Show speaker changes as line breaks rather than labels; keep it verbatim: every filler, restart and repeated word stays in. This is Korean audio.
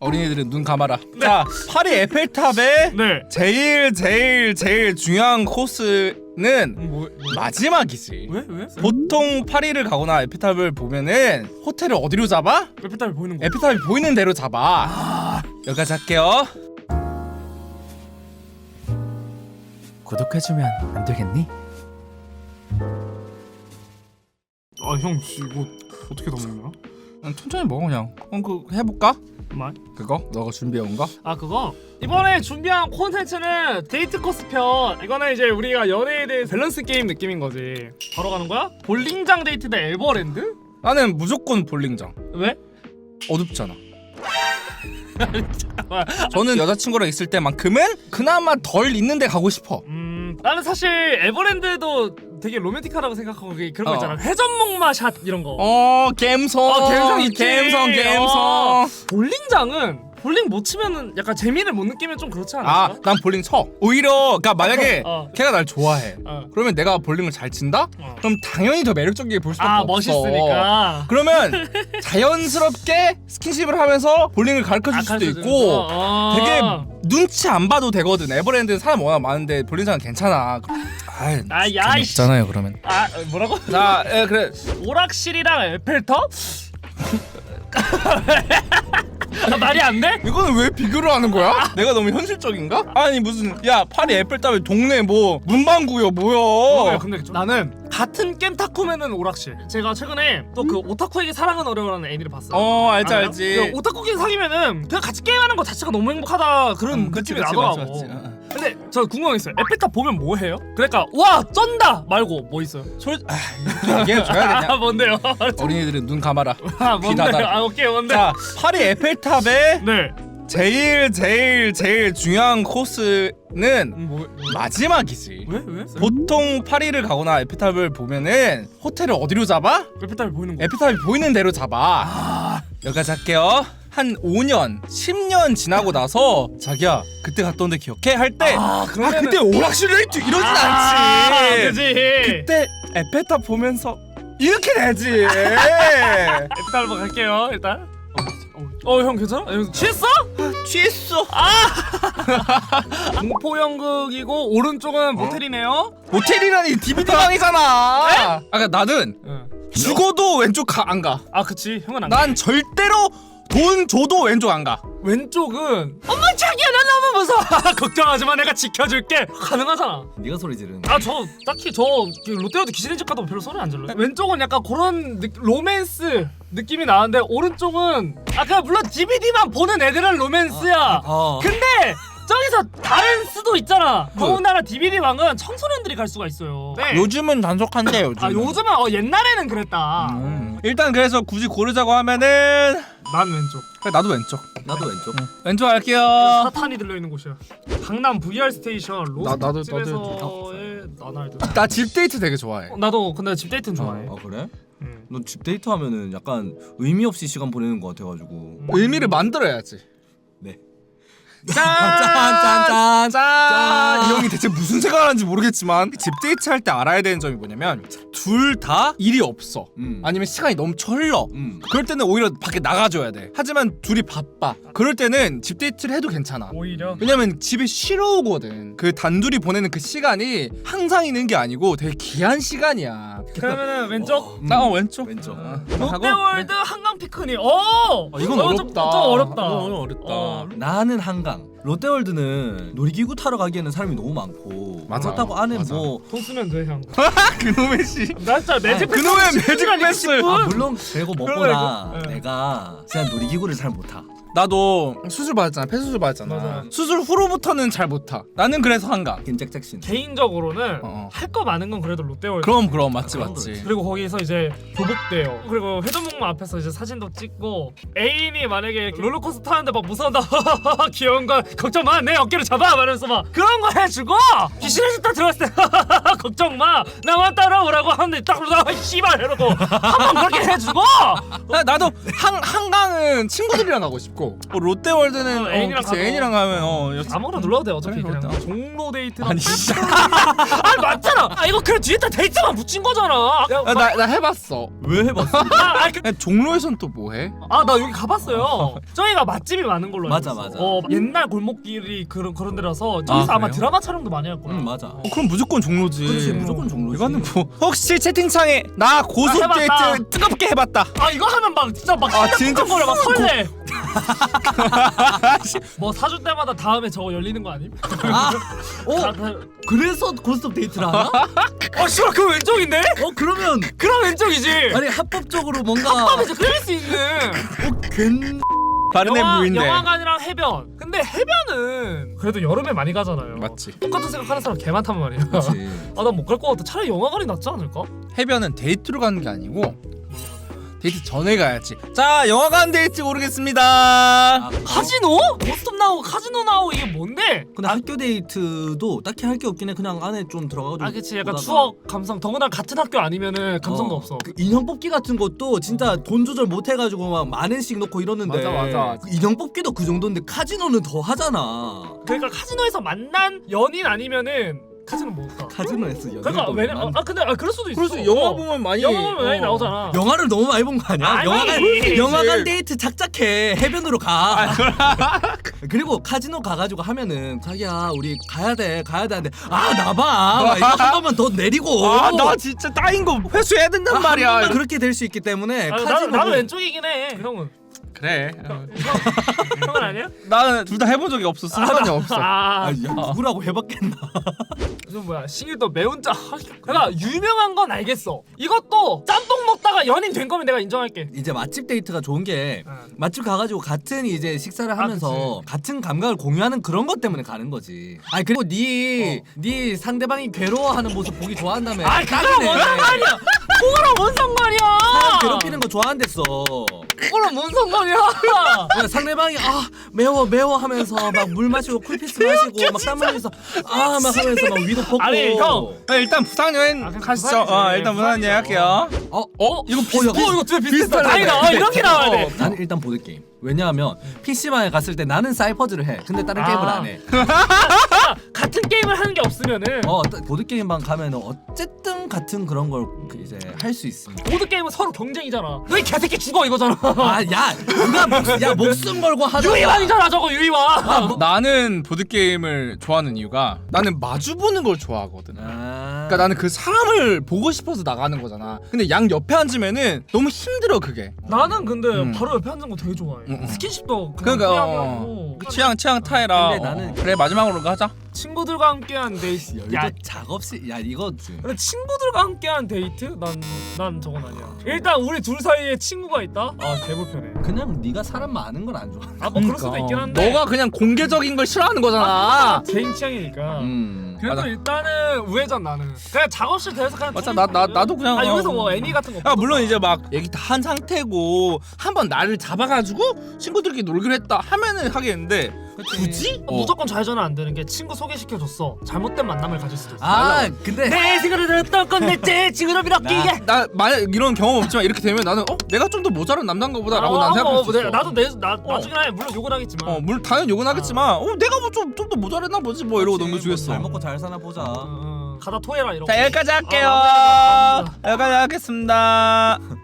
어린이들은 눈 감아라. 네. 자, 파리 에펠탑의
네.
제일 제일 제일 중요한 코스는
뭐, 뭐?
마지막이지.
왜? 왜?
보통 파리를 가거나 에펠탑을 보면은 호텔을 어디로 잡아?
에펠탑이 보이는 거.
에펠탑이 보이는 대로 잡아.
아...
여기까지 할게요. 구독해주면 안 되겠니?
아, 형 이거 어떻게 먹는 거야?
응, 천천히 먹어 그냥. 어, 그 해볼까?
말?
그거? 너가 준비해온 거?
아, 그거? 이번에 준비한 콘텐츠는 데이트 코스 편. 이거는 이제 우리가 연애에 대해 밸런스 게임 느낌인 거지. 바로 가는 거야? 볼링장 데이트 대 에버랜드?
나는 무조건 볼링장.
왜?
어둡잖아. 저는 여자친구랑 있을 때만큼은 그나마 덜 있는데 가고 싶어.
음, 나는 사실 에버랜드도 되게 로맨틱하다고 생각하고 그게 그런 거
어.
있잖아. 회전목마 샷 이런 거.
어, 갬성.
어, 갬성 있지.
갬성, 갬성.
어. 볼링장은 볼링 못 치면은 약간 재미를 못 느끼면 좀 그렇지 않아?
아, 난 볼링 쳐. 오히려 그러니까 만약에
어.
걔가 날 좋아해.
어.
그러면 내가 볼링을 잘 친다?
어.
그럼 당연히 더 매력적이게 볼 수밖에
아,
없어.
멋있으니까.
그러면 자연스럽게 스킨십을 하면서 볼링을 가르쳐 줄
아,
수도
가르쳐주는
있고
거? 어.
되게 눈치 안 봐도 되거든. 에버랜드는 사람 워낙 많은데 볼링장은 괜찮아. 아이,
아, 야, 이씨.
없잖아요 그러면.
아, 뭐라고?
자, 예, 그래.
오락실이랑 에펠탑? 아, 말이 안 돼?
이거는 왜 비교를 하는 거야? 내가 너무 현실적인가? 아니 무슨 야 파리 에펠탑에 동네 뭐 문방구요 뭐야?
어, 근데 나는 같은 겜타쿠면은 오락실. 제가 최근에 또 그 오타쿠에게 사랑은 어려워라는 애니를 봤어요.
어 알지
알아요?
알지.
그 오타쿠끼리 사귀면은 그냥 같이 게임하는 거 자체가 너무 행복하다 그런
음, 그치,
느낌이
그치,
나더라고.
맞지, 맞지. 어.
근데 저 궁금한 게 있어요. 에펠탑 보면 뭐 해요? 그러니까 와 쩐다 말고 뭐 있어요?
솔 아, 이렇게 얘기해줘야
아,
되냐?
뭔데요?
어린이들은 눈 감아라.
아,
귀 닫아라.
뭔데요? 아, 오케이, 뭔데?
자, 파리 에펠탑의
네.
제일 제일 제일 중요한 코스는
음, 뭐, 뭐?
마지막이지.
왜? 왜?
보통 파리를 가거나 에펠탑을 보면은 호텔을 어디로 잡아?
에펠탑이 보이는 거.
에펠탑이 보이는 대로 잡아.
아,
여기까지 할게요. 한 오 년, 십 년 지나고 나서 자기야 그때 갔던 데 기억해? 할 때
아,
아
그러면은-
그때 오락실 데이트 이러진
아,
않지.
그지.
그때 에펠탑 보면서 이렇게 되지.
에펠탑 한번 갈게요. 일단. 어, 형 괜찮아? 형 취했어?
취했어.
공포 연극이고 오른쪽은 모텔이네요.
모텔이라니 디비디 방이잖아. 아까 나는
응.
죽어도 왼쪽 가, 안 가.
아, 그치. 형은 안 가.
난 절대로 돈 줘도 왼쪽 안 가.
왼쪽은 엄마 자기야 나 너무 무서워. 걱정하지 마 내가 지켜줄게. 가능하잖아.
네가 소리 지르는.
아, 저 딱히 저 롯데월드 귀신의 집 가도 별로 소리 안 질러요. 왼쪽은 약간 그런 느, 로맨스 느낌이 나는데 오른쪽은 아까 물론 디비디만 보는 애들은 로맨스야.
어.
근데 저기서 다른 수도 있잖아. 더군다나 디비디 방은 청소년들이 갈 수가 있어요. 네.
요즘은 단속한대 요즘.
아, 요즘은 어, 옛날에는 그랬다.
음. 일단 그래서 굳이 고르자고 하면은
난 왼쪽.
그래, 나도 왼쪽.
나도 왼쪽.
왼쪽 할게요.
사탄이 들려있는 곳이야. 강남 브이알 스테이션
나- 나도- 나도
로스집에서의 나날들.
나 집 데이트 되게 좋아해.
어, 나도 근데 집 데이트는 좋아해.
아 그래?
음.
넌 집 데이트 하면은 약간 의미 없이 시간 보내는 것 같아가지고.
의미를 만들어야지.
네.
짠!
짠, 짠, 짠.
이 형이 대체 무슨 생각을 하는지 모르겠지만 집 데이트 할 때 알아야 되는 점이 뭐냐면 둘 다 일이 없어.
음.
아니면 시간이 넘쳐 흘러.
음.
그럴 때는 오히려 밖에 나가줘야 돼. 하지만 둘이 바빠. 그럴 때는 집 데이트를 해도 괜찮아.
오히려.
왜냐면 집에 쉬러 오거든. 그 단둘이 보내는 그 시간이 항상 있는 게 아니고 되게 귀한 시간이야.
그러면은 왼쪽.
나 어, 왼쪽.
왼쪽.
어,
롯데월드 한강 피크닉. 오.
어, 이건
어,
어렵다.
좀, 좀 어렵다.
어, 어렵다.
어.
나는 한강. 롯데월드는 놀이기구 타러 가기에는 사람이 너무 많고.
맞아.
그렇다고 안에
맞아.
뭐.
돈 쓰면 돼 형.
그놈의 씨.
나 진짜 매직 패스.
그놈의 매직 패스.
아 물론 그리고 무엇보다
그래, 그래.
내가 그냥 놀이기구를 잘 못 타.
나도 수술 받았잖아. 폐수술 받았잖아.
맞아.
수술 후로부터는 잘 못 타. 나는 그래서 한강.
긴
개인적으로는
어, 어.
할 거 많은 건 그래도 롯데월드.
그럼 그럼 맞지
그런
맞지.
그리고 거기서 이제 교복대요. 그리고 회전목마 앞에서 이제 사진도 찍고 애인이 만약에 롤러코스터 타는데 막 무서운다 귀여운 거 걱정 마 내 어깨를 잡아 말하면서 막 그런 거 해주고 귀신의 집 딱 들어갔을 때 걱정 마 나만 따라오라고 하는데 딱 그러다가 씨발 이러고 한 번 그렇게 해주고
나, 나도 한 한강은 친구들이랑 가고 싶고 있고 뭐 롯데월드는
어, 애인이랑
어, 그치,
가도.
애인이랑 가면 어 여자-
아무거나 눌러도 돼 어차피
그래,
그냥
그렇다.
종로 데이트랑
아니 진짜
아니 맞잖아. 아 이거 그냥 뒤에다 데이트만 붙인 거잖아. 야,
아, 나, 나 해봤어.
왜 해봤어?
아, 아니, 그,
그냥 종로에선 또 뭐해?
아, 나 여기 가봤어요. 저희가 맛집이 많은 걸로
맞아,
알고 있어.
맞아.
어, 옛날 골목길이 그런 그런 데라서 저기서
아,
아, 마
그래요?
드라마 촬영도 많이 할 거야.
응 맞아.
어, 그럼 무조건 종로지.
그렇지 무조건 종로지.
이거는 뭐 혹시 채팅창에 나 고속
아, 해봤다.
데이트 뜨겁게 해봤다.
아 이거 하면 막 진짜 막
아, 진짜
거려 막 설레. 뭐 사줄 때마다 다음에 저거 열리는 거 아님?
아, 어
아, 다-
그래서 고스톱 데이트를 하나?
어 씨발 그 왼쪽인데?
어 그러면
그럼 왼쪽이지.
아니 합법적으로 뭔가
합법에서 끌릴 수 있는.
어 괜.
바르네
영화,
무인데.
영화관이랑 해변. 근데 해변은 그래도 여름에 많이 가잖아요.
맞지.
똑같은 생각하는 사람 개 많단 말이야.
그렇지.
아 난 못 갈 것 같아. 차라리 영화관이 낫지 않을까?
해변은 데이트로 가는 게 아니고 데이트 전에 가야지. 자 영화관 데이트 고르겠습니다.
아,
카지노? 고스톱 나오고 카지노 나오고 이게 뭔데?
근데 학교 데이트도 딱히 할 게 없긴 해. 그냥 안에 좀 들어가가지고.
아 그치 약간
보다가.
추억 감성. 더구나 같은 학교 아니면은 감성도
어,
없어.
그 인형 뽑기 같은 것도 진짜 돈 조절 못 해가지고 막 만 원씩 넣고 이러는데.
맞아, 맞아.
그 인형 뽑기도 그 정도인데 카지노는 더 하잖아.
그러니까 카지노에서 만난 연인 아니면은 카지노 못 가.
카지노 했어. 연애도
그러니까 왜냐?
난-
어, 아 근데 아 그럴 수도 있어.
그래서 영화
어.
보면 많이
영화 보면 많이
어.
나오잖아.
영화를 너무 많이 본 거 아니야?
아니,
영화관
그렇지.
영화관 데이트 작작해 해변으로 가. 그리고 카지노 가가지고 하면은 자기야 우리 가야 돼 가야 돼 하는데 아 나봐 이거 한 번만 더 내리고.
아 나 진짜 따인 거 회수해야 된단 말이야.
그렇게 될 수 있기 때문에
아, 나도
카지노
나도 왼쪽이긴 해. 형은
그래. 어.
형은 아니야?
나는 둘 다 해본 적이 없어. 순간이 없어.
아,
아, 야, 누구라고 해봤겠나.
좀 뭐야 싱일도 매운자. 그러니까 유명한 건 알겠어. 이것도 짬뽕 먹다가 연인 된 거면 내가 인정할게.
이제 맛집 데이트가 좋은 게
응.
맛집 가가지고 같은 이제 식사를 하면서 같은 감각을 공유하는 그런 것 때문에 가는 거지. 아니 그리고 네 네 상대방이 괴로워하는 모습 보기 좋아한다며.
아 그거랑 뭔 상관이야? 그거랑 뭔 상관이야?
사람 괴롭히는 거 좋아한댔어.
그거랑 뭔 상관이야?
그러니까 상대방이 아 매워 매워 하면서 막 물 마시고 쿨피스 마시고 막 땀 흘리면서 아 막 하면서 막 위도 벗고.
아니, 형.
네, 일단 부산 여행
아, 그냥
가시죠.
부산이지.
어, 일단 부산 여행 할게요.
어?
어? 이거 비슷.
어,
어 이거 되게 비슷해.
비슷하네.
다행이다. 어, 이렇게 나와야 돼.
나는 일단 보드 게임. 왜냐하면 피씨방에 갔을 때 나는 사이퍼즈를 해. 근데 다른
아.
게임을 안 해.
같은 게임을 하는 게 없으면은
어 보드 게임방 가면은 어쨌든 같은 그런 걸 그 이제 할 수 있습니다.
모드 게임은 서로 경쟁이잖아. 너희 개새끼 죽어 이거잖아.
아야 누가 목, 야 목숨 걸고 하자.
유이왕이잖아 저거 유이왕.
나는 보드 게임을 좋아하는 이유가 나는 마주 보는 걸 좋아하거든.
아.
그러니까 나는 그 사람을 보고 싶어서 나가는 거잖아. 근데 양 옆에 앉으면은 너무 힘들어 그게.
나는 근데
음.
바로 옆에 앉는 거 되게 좋아해.
음, 음.
스킨십도 그냥
그러니까
그냥
어,
하고.
취향 취향 타해라.
근데 나는-
어. 그래 마지막으로 가자.
친구들과 함께한 데이트.
야,
야,
이거 작업실 야 이거
근데 친구들과 함께한 데이트? 난, 난 저건 아니야. 일단 우리 둘 사이에 친구가 있다? 아 개불편해.
그냥 네가 사람 많은 걸 안 좋아.
아 뭐 그럴 수도 있긴 한데.
너가 그냥 공개적인 걸 싫어하는 거잖아.
개인 취향이니까.
음.
그래도
맞아.
일단은 우회전 나는. 그냥 작업실 대해서 그냥.
맞아,
둘이
나- 나-
보거든.
나도 그냥,
아 여기서
어,
뭐
어.
애니 같은 거.
아 물론
보던가.
이제 막 얘기 다 한 상태고 한번 나를 잡아가지고 친구들끼리 놀기로 했다 하면은 하겠는데 굳이? 어.
무조건 좌회전은 안 되는 게 친구 소개시켜줬어. 잘못된 만남을 가질 수도 있어.
아 근데
내 생각을 들었던 건내 친구를 빌었기에.
나 만약 이런 경험 없지만 이렇게 되면 나는 어 내가 좀 더 모자란 남자인가 보다라고 난 생각할 수 있어.
아, 나도 내나
어.
나중에 물론 욕은 하겠지만.
어 물론 당연히 욕은 하겠지만 어 내가 뭐 좀 좀 더 모자랐나 보지 뭐 이러고 넘겨주겠어.
잘 먹고 잘 사나 보자.
어, 어. 가다 토해라 이런.
자 여기까지 할게요.
아, 맞아, 맞아, 맞아.
여기까지 하겠습니다.